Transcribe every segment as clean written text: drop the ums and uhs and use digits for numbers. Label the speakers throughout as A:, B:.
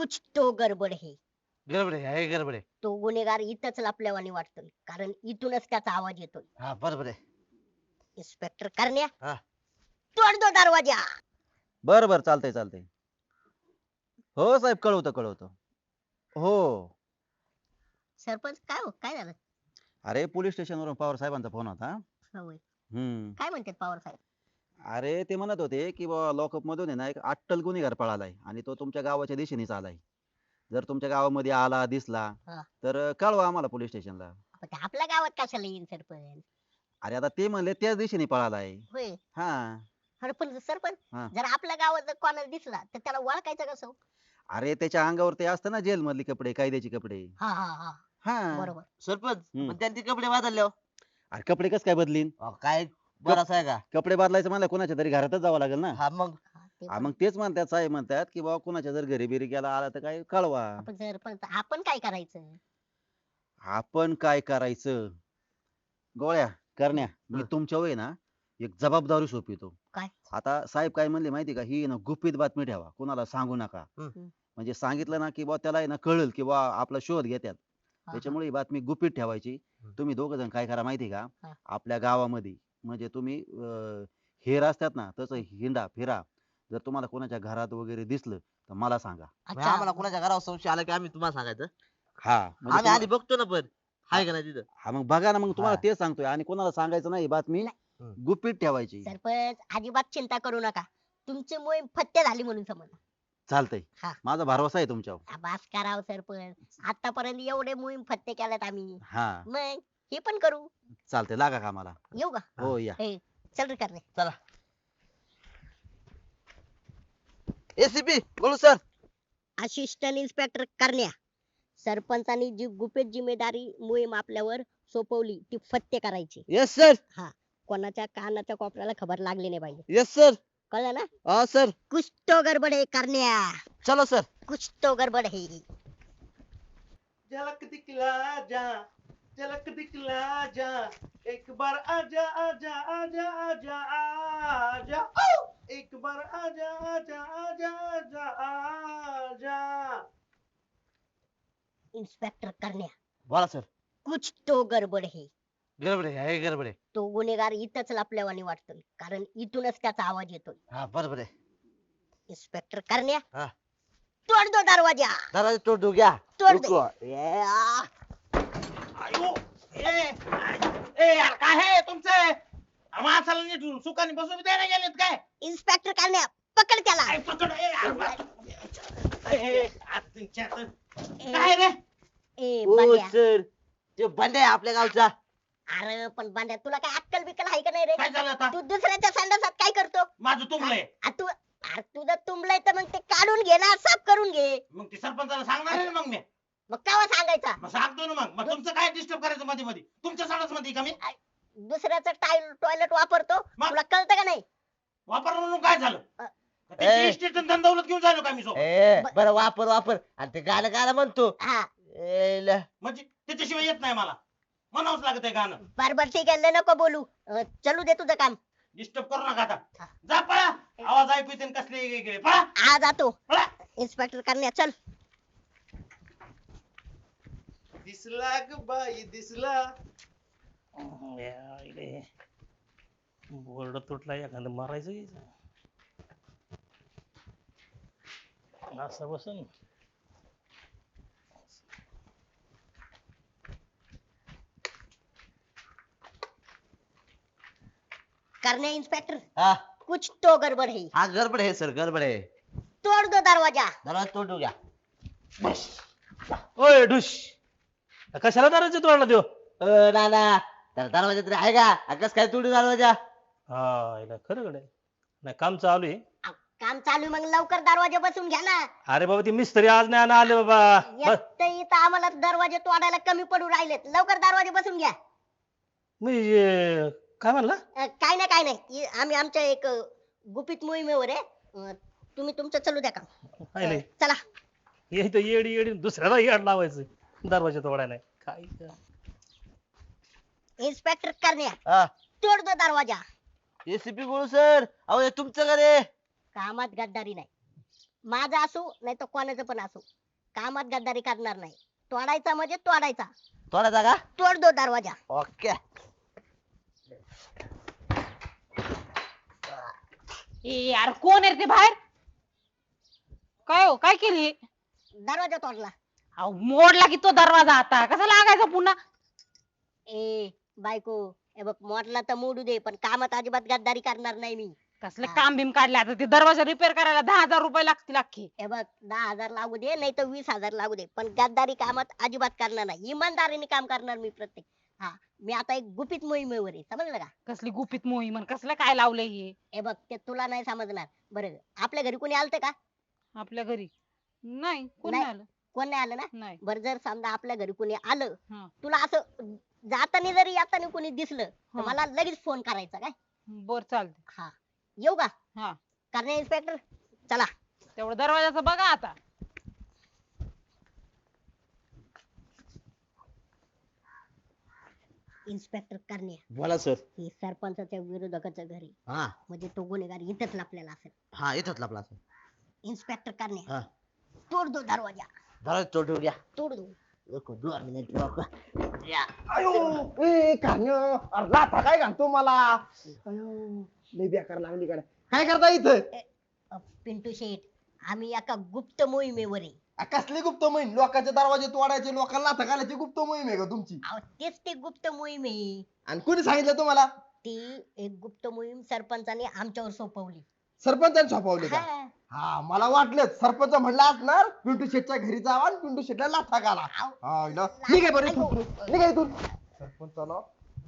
A: कुछ तो गडबड है.
B: गडबड आहे गडबड आहे.
A: तो गुन्हेगार इथंच लपल्यावानी वाटतोय कारण इथूनच त्याचा आवाज येतोय.
B: हा बरोबर आहे.
A: इन्स्पेक्टर करण्या,
B: हा
A: तोड दो दरवाजा.
C: बरं बरं चालतंय चालतंय. हो साहेब कळवतो कळवतो. हो.
A: सरपंच काय हो काय झालं?
C: अरे पोलीस स्टेशनवरून पवार साहेबांचा फोन होता.
A: होय.
C: हम्म.
A: काय म्हणतात पवार साहेब?
C: अरे ते म्हणत होते की बाबा लॉकअप मधून आहे ना एक अट्टल गुन्हेगार पळालाय आणि तो तुमच्या गावाच्या दिशेनेच आलाय. जर तुमच्या गावामध्ये आला दिसला
A: हा.
C: तर कळवा आम्हाला पोलीस स्टेशनला.
A: पण ते आपल्या गावात कशाला येईल सरपंच?
C: अरे आता ते म्हणले त्याच दिशेने पळालाय.
A: होय.
C: हा.
A: अरे पण सरपंच
C: हा.
A: जर आपल्या गावात जर कोणाला दिसला तर त्याला ओळखायचं कसं?
C: अरे त्याच्या अंगावर ते असतं ना जेल मधले कपडे कायद्याचे कपडे.
A: हा हा हा
C: हा.
A: बरोबर.
B: सरपंच
C: हम्म.
B: पण त्यांनी कपडे बदलले.
C: अरे कपडे कस काय बदलीन?
B: काय बरं आहे का?
C: कपडे बदलायचं म्हणलं कोणाच्या तरी घरातच जावं लागेल ना.
B: हा मग
A: हा, ते
C: हा
A: पण.
C: मग तेच म्हणतात साहेब म्हणतात की बाबा कुणाच्या जर घरी बिरी गेला आला तर काय कळवा.
A: आपण सरपंच आपण काय करायचं?
C: आपण काय करायचं गोळ्या करण्या मी तुमच्या वय ना एक जबाबदारी सोपवितो.
A: काय?
C: आता साहेब काय म्हणले माहिती का ही ना गुपित बातमी ठेवा कुणाला सांगू नका.
B: हम्म.
C: म्हणजे सांगितलं ना की बा त्याला आहे ना कळेल की बा आपला शोध घेतात.
A: हा,
C: त्याच्यामुळे ही बातमी गुपित ठेवायची. तुम्ही दोघ जण काय करा माहिती का
A: हा.
C: आपल्या गावामध्ये म्हणजे तुम्ही हेर असतात ना तसं हिंडा फिरा. जर तुम्हाला कोणाच्या घरात वगैरे दिसलं तर मला सांगा.
B: म्हणजे आम्हाला कोणाच्या घरावर संशय आला की आम्ही तुम्हाला सांगायचं.
C: हा म्हणजे
B: आम्ही आधी बघतो ना पण हाय का नाही तिथं.
C: हा मग बघा ना मग तुम्हाला
B: हा.
C: तेच सांगतोय आणि कोणाला सांगायचं नाही बातमी गुपित ठेवायची.
A: सरपंच अजिबात चिंता करू नका. तुमची मोहीम फत्ते झाली म्हणून समजा.
C: चालतंय
A: हा.
C: माझा भरवसा आहे तुमच्यावर.
A: बास कराव सरपंच. आतापर्यंत एवढे मोहीम फत्ते केल्यात आम्ही.
C: हा
A: मग हे पण करू.
C: चालतंय लागा कामाला.
A: येऊ का?
C: हो या.
A: ए, चल रे करणे.
B: चला. एसीपी बोलू सर.
A: असिस्टंट इन्स्पेक्टर करण्या, सरपंचानी जी गुपित जिम्मेदारी मोहीम आपल्यावर सोपवली ती फत्ते करायची.
B: Yes sir.
A: कोणाच्या कानाच्या कोपऱ्याला खबर लागली नाही पाहिजे.
B: Yes sir.
A: कळलं ना?
B: हा सर.
A: कुछ तो गडबड है करण्या.
B: चलो सर.
A: कुछ तो गडबड है.
D: झलक दिखला जा, झलक दिखला जा, एक बार आजा आजा आजा आजा आजा ओ! एक बार आजा आजा आजा आजा आजा.
A: इन्स्पेक्टर करण्या,
B: बोला सर.
A: कुछ तो गडबड है.
B: गडबड आहे गडबड आहे.
A: तो गुन्हेगार इथंच लपल्यावानी वाटतोय कारण इथूनच त्याचा आवाज येतोय.
B: हा बरोबर आहे.
A: इन्स्पेक्टर करण्या,
B: हा.
A: तोड दो दरवाजा.
B: दरवाजा तोडू घ्या.
A: तोड दे.
B: रुको. ये, आ.
D: आयो ए यार काय आहे तुमचं? माणसाला नीट सुखाने बसू बी द्यायला गेलेत काय?
A: इन्स्पेक्टर करण्या, पकड त्याला.
D: काय पकड ए यार. काय रे?
A: ए
B: ओ
A: बांड्या.
B: सर ते बंद आहे आपल्या गावचा.
A: अरे पण बांड्या तुला काय अक्कल बिक्कल आहे का नाही रे?
D: काय झालं आता?
A: तू दुसऱ्याच्या संडासात काय करतो?
D: माझं तुंबलंय.
A: अरे तुझं तुंबलंय तर मग ते काढून घे ना, साफ करून घे.
D: मग ते सरपंचाला सांगणार आहे ना मग मी.
A: मग केव्हा सांगायचा?
D: मग सांगतो ना मग तुमचं काय डिस्टर्ब करायचं मध्ये मध्ये? तुमच्या सणाच मध्ये का मी?
A: दुसऱ्याचं टॉयलेट वापरतो,
D: मग?
A: तुला कळतं का नाही?
D: वापर म्हणून काय झालं?
A: अ.
B: ए.
D: स्टेशन धंदौलत घेऊन झालो का मी सोबत?
B: ए बरं वापर वापर आणि ते गाणं गाणं म्हणतो.
A: हा
B: ए, ल.
D: म्हणजे त्याच्याशिवाय येत नाही मला. म्हणावंच लागत आहे गाणं.
A: बरोबर ठीक आहे, लय नको बोलू. चलू दे तुझं काम.
D: डिस्टर्ब करू नका आता. जा पळा. आवाज ऐकू येते कसले वेगळे. पळा
A: आज जातो.
D: पळा.
A: इन्स्पेक्टर करण्या चल.
D: दिसला ग बाई दिसला.
E: बोर्ड तुटला एखादं मारायचं घ्यायचं असं बसून.
A: करण्या इन्स्पेक्टर,
B: हा
A: कुछ तो गडबड है.
B: हा गडबड आहे सर गडबड आहे.
A: तोड दो दरवाजा.
B: दरवाजा तोडू घ्या.
E: ओय ढुश, कशाला दरवाजा तोडला देऊ?
B: नाना तर दरवाजा तरी आहे का? कस काय तोडू दरवाजा?
E: हा याला खरं कडे नाही काम चालू आहे.
A: काम चालू आहे, मग लवकर दरवाजा बसून घ्या ना.
E: अरे बाबा ती मिस्त्री आज नाही आले बाबा. बस,
A: इथं आम्हाला दरवाजे तोडायला कमी पडू राहिलेत. लवकर दरवाजे बसून घ्या.
E: मी काय म्हणला?
A: काय नाही काय नाही, आम्ही आमच्या एक गुपित मोहिमेवर आहे. तुम्ही तुमचं चालू द्या काम.
E: पाहिले
A: चला.
E: हे इथं येडी येडी दुसऱ्याला येड लावायचं दरवाजा तोडायला. काय
A: इन्स्पेक्टर करण्या,
B: हा
A: तोड दो दरवाजा.
B: एसीपी बोलू सर. अहो हे तुमचं का रे?
A: कामात गद्दारी नाही. माझा असो नाही तर कोणाचं पण असो, कामात गद्दारी करणार नाही. तोडायचा म्हणजे तोडायचा.
B: थोडा जागा
A: तोड दो दरवाजा.
B: ओके.
F: यार कोण आहे रे ते बाहेर? काय हो काय केली?
A: दरवाजा तोडला.
F: अहो मोडला की तो दरवाजा, आता कसा लागायचा पुन्हा?
A: ए बायको, हे बघ मोडला तर मोडू दे, पण कामात अजिबात गद्दारी करणार नाही मी.
F: कसलं
A: हा.
F: काम बिम काढले आता? ते दरवाजा रिपेअर करायला 10,000 रुपये लागतील अख्खे.
A: हे बघ 10,000 लागू दे नाही तर 20,000 लागू दे, पण गद्दारी कामात अजिबात करणार नाही. इमानदारीने काम करणार मी प्रत्येक. हा, मी आता एक गुपित मोहिमेवर आहे, समजलं का?
F: कसली गुपित मोहीम आणि कसलं काय लावलंय हे
A: हे बघ ते तुला नाही समजणार. बरं, आपल्या घरी कोणी आलतं का?
F: आपल्या घरी? नाही, कोण
A: नाही.
F: नाही आलं.
A: कोण नाही आलं ना?
F: नाही.
A: बरं, जर समजा आपल्या घरी कोणी आलं,
F: हा.
A: तुला असं जाताना जरी येताना कोणी दिसलं तर
F: हा.
A: मला लगेच फोन करायचा काय?
F: बर चालते.
A: हा, येऊ का?
F: हा,
A: करणे इन्स्पेक्टर, चला.
F: तेवढं दरवाजाचं बघा आता.
A: इन्स्पेक्टर करणे,
B: बोला सर.
A: हे सरपंचाच्या विरोधकाचं घरी,
B: हा
A: म्हणजे तो गुन्हेगार इथंच लपलेला असेल.
B: हा येतोच आपला सर.
A: इन्स्पेक्टर करणे,
B: हा
A: तोड दो दरवाजा.
B: जरा तोड द्या.
A: तोड दो.
B: रुको 2 मिनिट रुको. या.
D: अयो ए कान्या, अरे लाथा काय घालतो मला? अयो लय बेकार लागली कडे. काय करता इथं?
A: पिंटू शेठ, आम्ही एका गुप्त मोहिमेवर आहे.
D: कसली गुप्त मोहीम? लोकांचे दरवाजे तोडायचे, लोकांना लाथा घालायची गुप्त मोहीम आहे का तुमची?
A: अहो, तेच ते गुप्त मोहीम आहे.
D: आणि कोणी सांगितलं तुम्हाला?
A: ती एक गुप्त मोहीम सरपंचाने आमच्यावर सोपवली.
D: सरपंचाने छापवली का?
A: हा.
D: हा मला वाटलं सरपंच म्हणला असणार पिंटू शेटच्या घरी जावा आणि पिंटू शेटला लाथा घाला.
A: अहो,
D: हा, निघाय बरं इथून. निघाय इथून. सरपंचाला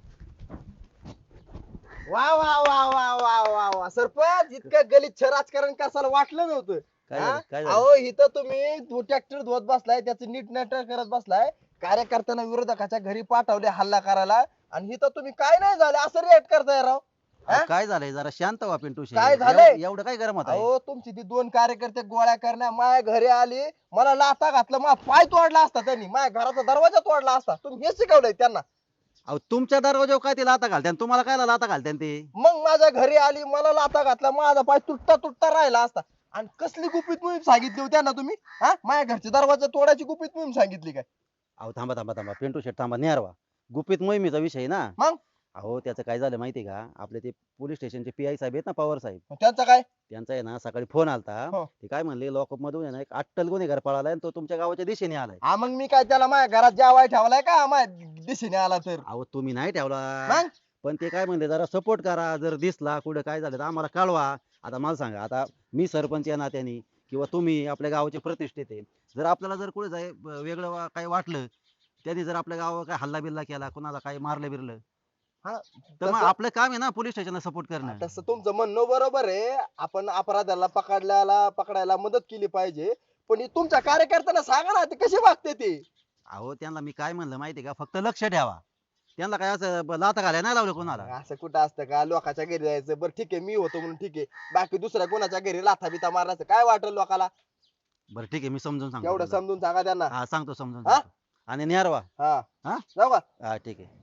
D: वा वा वा वा वा वा वा सरपंच, इतकं गलिच्छ राजकारण कसाला वाटलं नव्हतं.
C: काय
D: हा?
C: झालं? काय झालं?
D: अहो इथं तुम्ही ट्रॅक्टर धुवत बसलाय, त्याचं नीट नाटक करत बसलाय, कार्यकर्त्यांना विरोधकाच्या घरी पाठवले हल्ला करायला, आणि इथं तुम्ही काय नाही झालं असं रिएक्ट करताय राव. हा?
C: काय झालंय? जरा शांत व्हा पिंटू शेठ.
D: काय झालंय?
C: एवढं काय गरम होत आहे?
D: अहो तुमची ती 2 कार्यकर्ते गोळ्या करण्या माझ्या घरी आली, मला लाथा घातलं, माझा पाय तोडला असता त्यांनी, माझ्या घराचा दरवाजा तोडला असता. तुम्ही हे शिकवलंय त्यांना.
C: अहो तुमच्या दरवाजावर काय ते लाता घालते तुम्हाला काय लाता घालते ते?
D: मग माझ्या घरी आली, मला लाथा घातला, माझा पाय तुटता तुटता राहिला असता. आणि कसली गुपित मोहीम सांगितली होती त्यांना तुम्ही? हा, माझ्या घरचे दरवाजा तोडायची गुपित मोहीम सांगितली काय?
C: अहो थांबा थांबा थांबा पिंटू शेठ थांबा, न्यारवा. गुपित मोहिमेचा विषय ना.
D: मग?
C: अहो त्याचं काय झालं माहितीये का, आपले ते पोलीस स्टेशनचे पी आय साहेब आहेत ना, पवार साहेब,
D: मग त्यांचं काय?
C: त्यांचा आहे ना सकाळी फोन आलता.
D: हो.
C: ते काय म्हणले, लॉकअप मधून आहे ना एक अट्टल गुन्हेगार पळालाय आणि तो तुमच्या गावाच्या दिशेने आलाय.
D: हा मग मी काय त्याला माझ्या घरात जेवाय ठेवलाय का माझ्या दिशेने आला तर?
C: अहो तुम्ही नाही ठेवला,
D: मग?
C: पण ते काय म्हणले जरा सपोर्ट करा, जर दिसला कुठे काय झालं तर आम्हाला कळवा. आता मला सांगा, आता मी सरपंच या नात्याने किंवा तुम्ही आपल्या गावाचे प्रतिष्ठित आहे, जर आपल्याला जर कुठे वेगळं काही वाटलं, त्यांनी जर आपल्या गावावर काय हल्ला बिल्ला केला, कोणाला काही मारलं बिरलं,
D: हा,
C: तर मग
D: तसं-
C: आपलं काम आहे ना पोलीस स्टेशनला सपोर्ट करणं.
D: तसं तुमचं म्हणणं बरोबर आहे, आपण अपराधाला पकडायला मदत केली पाहिजे, पण हे तुमच्या कार्यकर्त्यांना सांगा ना ते कसे वागते ते.
C: अहो त्यांना मी काय म्हणलं माहितीये का, फक्त लक्ष ठेवा. त्यांना काय असं लाथा घालायला नाही लावलं कोणाला.
D: असं कुठं असतं का? लोकांच्या घरी जायचं, बरं ठीक आहे मी होतो म्हणून ठीक आहे, बाकी दुसऱ्या कोणाच्या घरी लाथा बिथा मारण्याचं काय वाटेल लोकाला?
C: बरं ठीक आहे, मी समजून सांगतो
D: एवढं
C: त्यांना.
D: समजून सांगा त्यांना.
C: हा सांगतो समजून
D: हा?
C: सांगतो. आणि न्यारवा.
D: हा
C: हा?
D: जाऊ का?
C: हा ठीक आहे.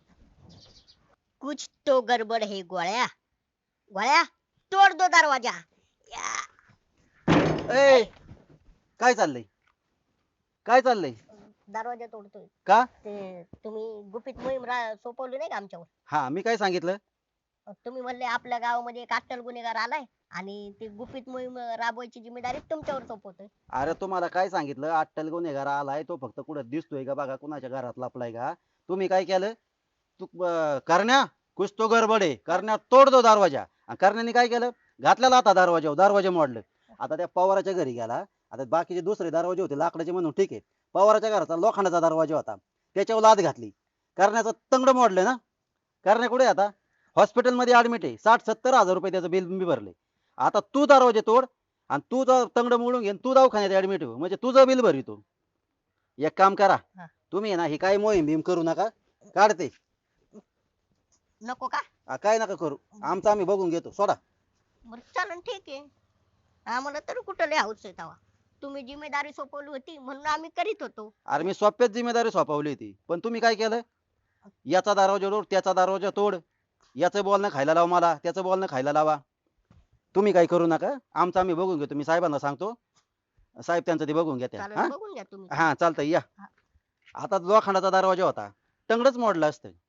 A: कुछ तो गडबड है गोळ्या. गोळ्या, तोड दो दरवाजा. या.
C: ए काय चाललंय? काय चाललंय?
A: दरवाजा तोडतोय.
C: का?
A: ते तुम्ही गुपित मोहीम सोपवली नाही का आमच्यावर?
C: हा मी काय सांगितलं?
A: तुम्ही म्हणले आपल्या गावामध्ये एक अट्टल गुन्हेगार आलाय आणि ती गुपित मोहीम राबवायची जिम्मेदारी तुमच्यावर सोपवतोय.
C: अरे तुम्हाला काय सांगितलं, अट्टल गुन्हेगार आलाय, तो फक्त कुठं दिसतोय का बघा, कुणाच्या घरात लपलाय का. तुम्ही काय केलं, तू करण्या कुछ तो गडबड आहे, करण्या तोड दो दरवाजा. आणि करण्याने काय केलं, घातलेला आता दरवाजा, दरवाजा मोडलं. आता त्या पवाराच्या घरी गेला. आता बाकीचे दुसरे दरवाजे होते लाकडाचे म्हणून ठीक आहे, पवाराच्या घराचा लोखंडाचा दरवाजा होता, त्याच्यावर लाद घातली, करण्याचं तंगड मोडलं ना. करण्या कुठे आहे आता? हॉस्पिटल मध्ये ऍडमिट आहे, 60-70 हजार रुपये त्याचं बिल मी भरले. आता तू दरवाजे तोड आणि तू तंगड मोडून घे, तू दवाखान्यात ऍडमिट हो, म्हणजे तुझं बिल भरितो. एक काम करा,
A: हा.
C: तुम्ही आहे ना ही काय मोहीम भीम करू नका, काढते.
A: नको का?
C: काय नका करू, आमचं आम्ही बघून घेतो, सोडा.
A: बरं चालन, ठीक आहे. आम्हाला तर कुठं लय हौस आहे तेव्हा. तुम्ही जिम्मेदारी सोपवली होती म्हणून आम्ही करीत होतो.
C: अरे मी सोप्यात जिम्मेदारी सोपवली होती, पण तुम्ही काय केलं, याचा दरवाजा तोड, त्याचा दरवाजा तोड, याचं बोलणं खायला लावा मला, त्याचं बोलणं खायला लावा. तुम्ही काही करू नका, आमचं आम्ही बघून घेतो. मी साहेबांना सांगतो, साहेब त्यांचं ते बघून घेत्या.
A: चालेल
C: हा
A: बघून घ्या तुम्ही.
C: हा चालतंय या. आता लोखंडाचा दरवाजा होता, तंगडच मोडलं असतं.